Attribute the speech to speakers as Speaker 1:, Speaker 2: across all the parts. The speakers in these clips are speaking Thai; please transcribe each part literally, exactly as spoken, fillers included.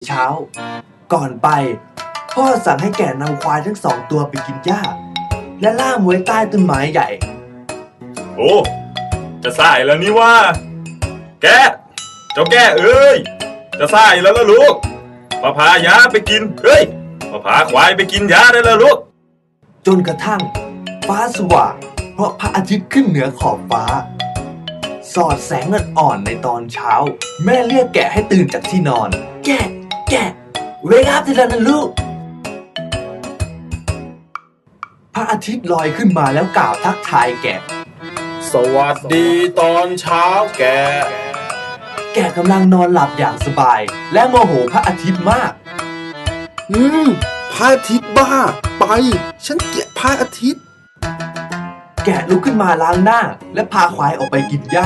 Speaker 1: เช้าก่อนไปพ่อสั่งให้แกะนำควายทั้งสองตัวไปกินหญ้าและล่ามไว้ใต้ต้นไม้ใหญ่
Speaker 2: โอ้จะสายแล้วนี่ว่าแกเจ้าแกเอ้ยจะสายแล้วล่ะลูกมาพาหญ้าไปกินเฮ้ยมาพาควายไปกินหญ้าได้แล้วลูก
Speaker 1: จนกระทั่งฟ้าสว่างเพราะพระอาทิตย์ขึ้นเหนือขอบฟ้าสอดแสงอ่อนๆในตอนเช้าแม่เรียกแกะให้ตื่นจากที่นอนแกะแกะเวกอัพได้แล้วนะลูกพระอาทิตย์ลอยขึ้นมาแล้วกล่าวทักทายแกะ
Speaker 3: สวัสดีตอนเช้าแก
Speaker 1: แกะกำลังนอนหลับอย่างสบายและโมโหพระอาทิตย์มาก
Speaker 3: อืมพระอาทิตย์บ้าไปฉันเกลียดพระอาทิตย์
Speaker 1: แกะลุกขึ้นมาล้างหน้าและพาควายออกไปกินหญ้า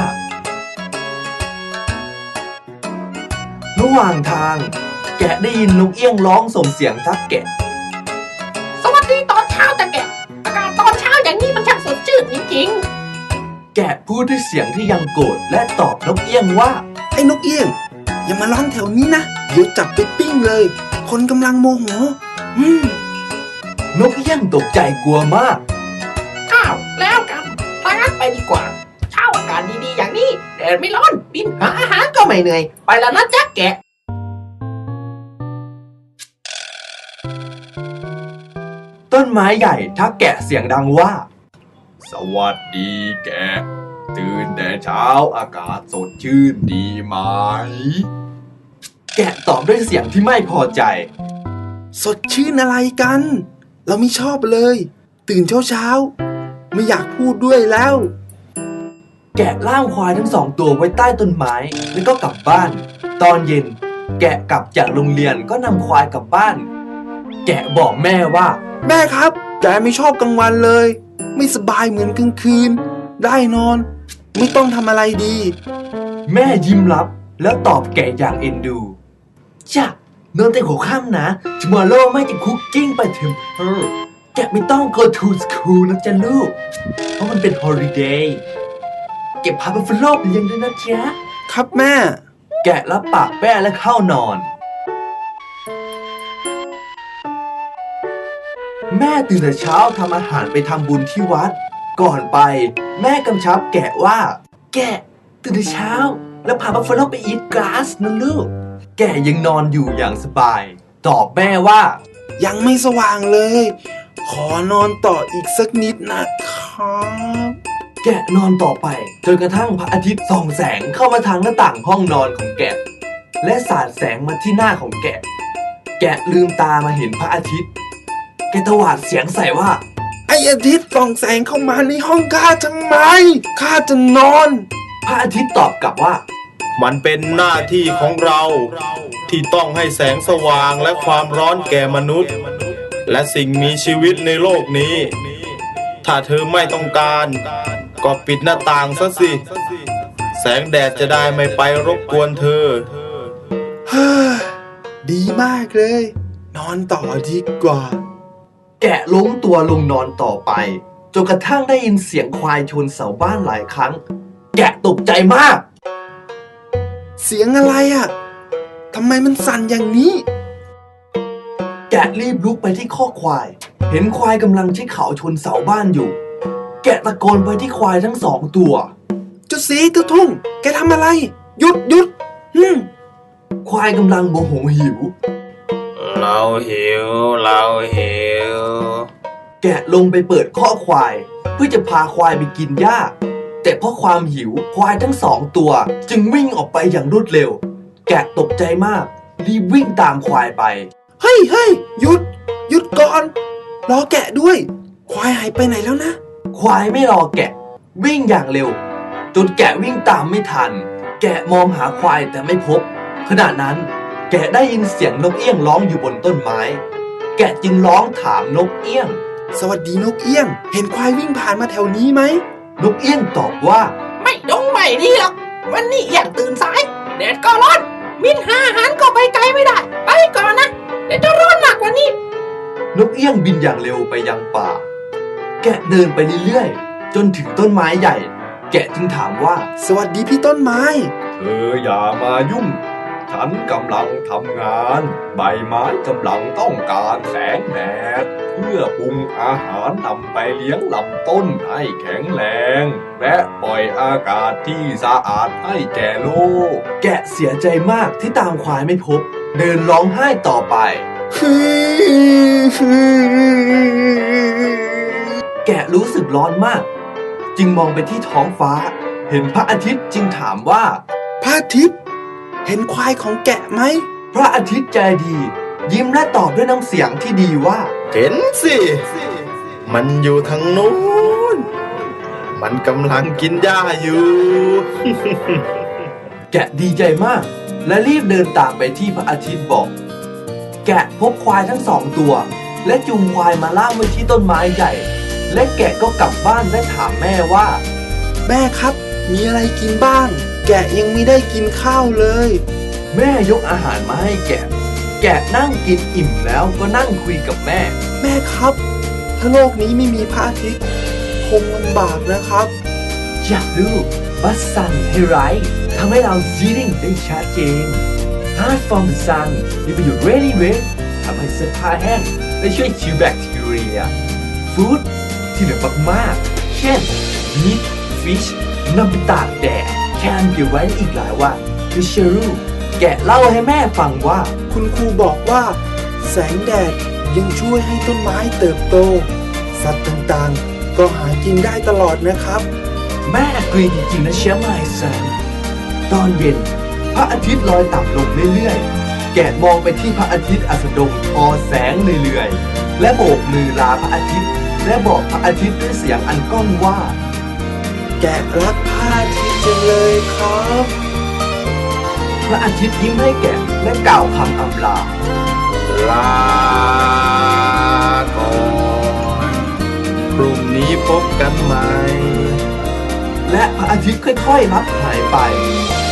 Speaker 1: ระหว่างทางแกะได้ยินนกเอี้ยงร้องส่งเสียงทักแกะ
Speaker 4: สวัสดีตอนเช้าจ้ะแกะอากาศตอนเช้าอย่างนี้มันช่างสดชื่นจริง
Speaker 1: ๆแกะพูดด้วยเสียงที่ยังโกรธและตอบนกเอี้ยงว่า
Speaker 3: ไอ้นกเอี้ยงอย่ามาร้องแถวนี้นะเดี๋ยวจับไปปิ้งเลยคนกำลังโมโหอืม
Speaker 1: นกเอี้ยงตกใจกลัวมาก
Speaker 4: อ้าวแล้วกันถ้างั้นไปดีกว่าเช้าอากาศดีๆอย่างนี้แดดไม่ร้อนบินหาอาหารก็ไม่เหนื่อยไปแล้วนะจ๊ะแกะ
Speaker 1: ต้นไม้ใหญ่ทักแกะเสียงดังว่า
Speaker 2: สวัสดีแกะตื่นแต่เช้าอากาศสดชื่นดีไหม
Speaker 1: แกะตอบด้วยเสียงที่ไม่พอใจ
Speaker 3: สดชื่นอะไรกันเราไม่ชอบเลยตื่นเช้าเช้าไม่อยากพูดด้วยแล้ว
Speaker 1: แกะล่ามควายทั้งสองตัวไว้ใต้ต้นไม้แล้วก็กลับบ้านตอนเย็นแกะกลับจากโรงเรียนก็นำควายกลับบ้านแกะบอกแม่ว่า
Speaker 3: แม่ครับแกไม่ชอบกลางวันเลยไม่สบายเหมือนกลางคืนได้นอนไม่ต้องทำอะไรดี
Speaker 1: แม่ยิ้มรับแล้วตอบแกะอย่างเอ็นดูจ้ะนอนแต่หัวค่ำนะ tomorrow ไม่จะคุกกิ้งไปถึงเออแกะไม่ต้อง go to school นะจ๊ะลูกเพราะมันเป็น holiday เก็บพาไปฟลอปเลี้ยงด้วยนะจ๊ะ
Speaker 3: ครับแม่
Speaker 1: แกะรับปากแม่และเข้านอนแม่ตื่นแต่เช้าทำอาหารไปทำบุญที่วัดก่อนไปแม่กำชับแกะว่าแกะตื่นแต่เช้าแล้วพาบัฟฟาโลไปอีทกราสนะลูกแกะยังนอนอยู่อย่างสบายตอบแม่ว่า
Speaker 3: ยังไม่สว่างเลยขอนอนต่ออีกสักนิดนะครับ
Speaker 1: แกะนอนต่อไปจนกระทั่งพระอาทิตย์ส่องแสงเข้ามาทางหน้าต่างห้องนอนของแกะและสาดแสงมาที่หน้าของแกะแกะลืมตามาเห็นพระอาทิตย์แกตวาดเสียงใส่ว่า
Speaker 3: ไอ้อาทิตย์ส่องแสงเข้ามาในห้องข้าทำไมข้าจะนอน
Speaker 1: พระอาทิตย์ตอบกลับว่า
Speaker 5: มันเป็นหน้าที่ของเราที่ต้องให้แสงสว่างและความร้อนแก่มนุษย์และสิ่งมีชีวิตในโลกนี้ถ้าเธอไม่ต้องการก็ปิดหน้าต่างซะสิแสงแดดจะได้ไม่ไปรบกวนเธอ
Speaker 3: ฮ่าดีมากเลยนอนต่อดีกว่า
Speaker 1: แกะล้มตัวลงนอนต่อไปจนกระทั่งได้ยินเสียงควายชนเสาบ้านหลายครั้งแกะตกใจมาก
Speaker 3: เสียงอะไรอ่ะทำไมมันสั่นอย่างนี้
Speaker 1: แกะรีบลุกไปที่คอกควายเห็นควายกำลังใช้เขาชนเสาบ้านอยู่แกะตะโกนไปที่ควายทั้งสองตัว
Speaker 3: เจ้าสีเจ้าทุ่งแกทำอะไรหยุดหยุดฮึม
Speaker 1: ควายกำลังโมโหหิว
Speaker 5: เราหิวเราหิว
Speaker 1: แกะลงไปเปิดคอกควายเพื่อจะพาควายไปกินหญ้าแต่เพราะความหิวควายทั้งสองตัวจึงวิ่งออกไปอย่างรวดเร็วแกะตกใจมากรีบวิ่งตามควายไป
Speaker 3: เฮ้ยเฮ้ยหยุดหยุดก่อนรอแกะด้วยควายหายไปไหนแล้วนะ
Speaker 1: ควายไม่รอแกะวิ่งอย่างเร็วจนแกะวิ่งตามไม่ทันแกะมองหาควายแต่ไม่พบขณะนั้นแกะได้ยินเสียงนกเอี้ยงร้องอยู่บนต้นไม้แกะจึงร้องถามนกเอี้ยง
Speaker 3: สวัสดีนกเอี้ยงเห็นควายวิ่งผ่านมาแถวนี้ไหม
Speaker 1: นกเอี้ยงตอบว่า
Speaker 4: ไม่ดงไม่ดีหรอกวันนี้เอี้ยงตื่นสายแดดก็ร้อนมินหาอาหารก็ไปไกลไม่ได้ไปก่อนนะเดี๋ยวจะร้อนมากกว่านี้
Speaker 1: นกเอี้ยงบินอย่างเร็วไปยังป่าแกะเดินไปเรื่อยๆจนถึงต้นไม้ใหญ่แกะจึงถามว่า
Speaker 3: สวัสดีพี่ต้นไม้
Speaker 2: เธออย่ามายุ่ง ถ
Speaker 1: ฉันกำลังทำงาน ใบไม้กำลังต้องการแสงแดดเพื่อปรุงอาหารนำไปเลี้ยงลำต้นให้แข็งแรง และปล่อยอากาศที่สะอาดให้แก่โลก แกะเสียใจมากที่ตามควายไม่พบ เดินร้องไห้ต่อไป แกะรู้สึกร้อนมาก จึงมองไปที่ท้องฟ้า เห็นพระอาทิตย์จึงถามว่า
Speaker 3: พระอาทิตย์เห็นควายของแกะไหม
Speaker 1: พระอาทิตย์ใจดี ยิ้มและตอบด้วยน้ำเสียงที่ดีว่า
Speaker 5: เห็นสิ มันอยู่ทางนู้น มันกำลังกินหญ้าอยู่
Speaker 1: แกะดีใจมาก และรีบเดินตามไปที่พระอาทิตย์บอก แกะพบควายทั้งสองตัว และจูงควายมาล่ามไว้ที่ต้นไม้ใหญ่ และแกะก็กลับบ้านและถามแม่ว่า
Speaker 3: แม่ครับ มีอะไรกินบ้าง แกะยังไม่ได้กินข้าวเลย
Speaker 1: แม่ยกอาหารมาให้แกะ แกะนั่งกินอิ่มแล้วก็นั่งคุยกับแม่
Speaker 3: แม่ครับ ถ้าโลกนี้ไม่มีพระอาทิตย์คงลำบากนะครับ
Speaker 1: อยากรู้ว่าซันให้ไรทำให้เรา seeing ได้ชัดเจน Hard from the sun มีประโยชน์ really well ทำให้เสื้อผ้าแห้งและช่วยคิวแบคทีเรีย Food ที่เหลือมากๆเช่น meat fish นำไปตากแดดแคนเก็บไว้อีกหลายวันคือเชอรูแกะเล่าให้แม่ฟังว่า
Speaker 3: คุณครูบอกว่า แสงแดดยังช่วยให้ต้นไม้เติบโต สัตว์ต่างๆ ก็หากินได้ตลอดนะครับ
Speaker 1: แม่กรีจริงๆนะเชียร์ไมซันตอนเย็นพระอาทิตย์ลอยต่ำลงเรื่อยๆ แกะมองไปที่พระอาทิตย์อัสดงทอแสงเรื่อยๆ และโบกมือลาพระอาทิตย์ และบอกพระอาทิตย์ด้วยเสียงอันก้องว่า
Speaker 3: แกะรักพระอาทิตย์จังเลยครับ
Speaker 1: พระอาทิตย์ยิ้มให้แกะและกล่าวคำอำลา
Speaker 5: ลาก่อนพรุ่งนี้พบกันใหม่
Speaker 1: และพระอาทิตย์ค่อยๆลับหายไป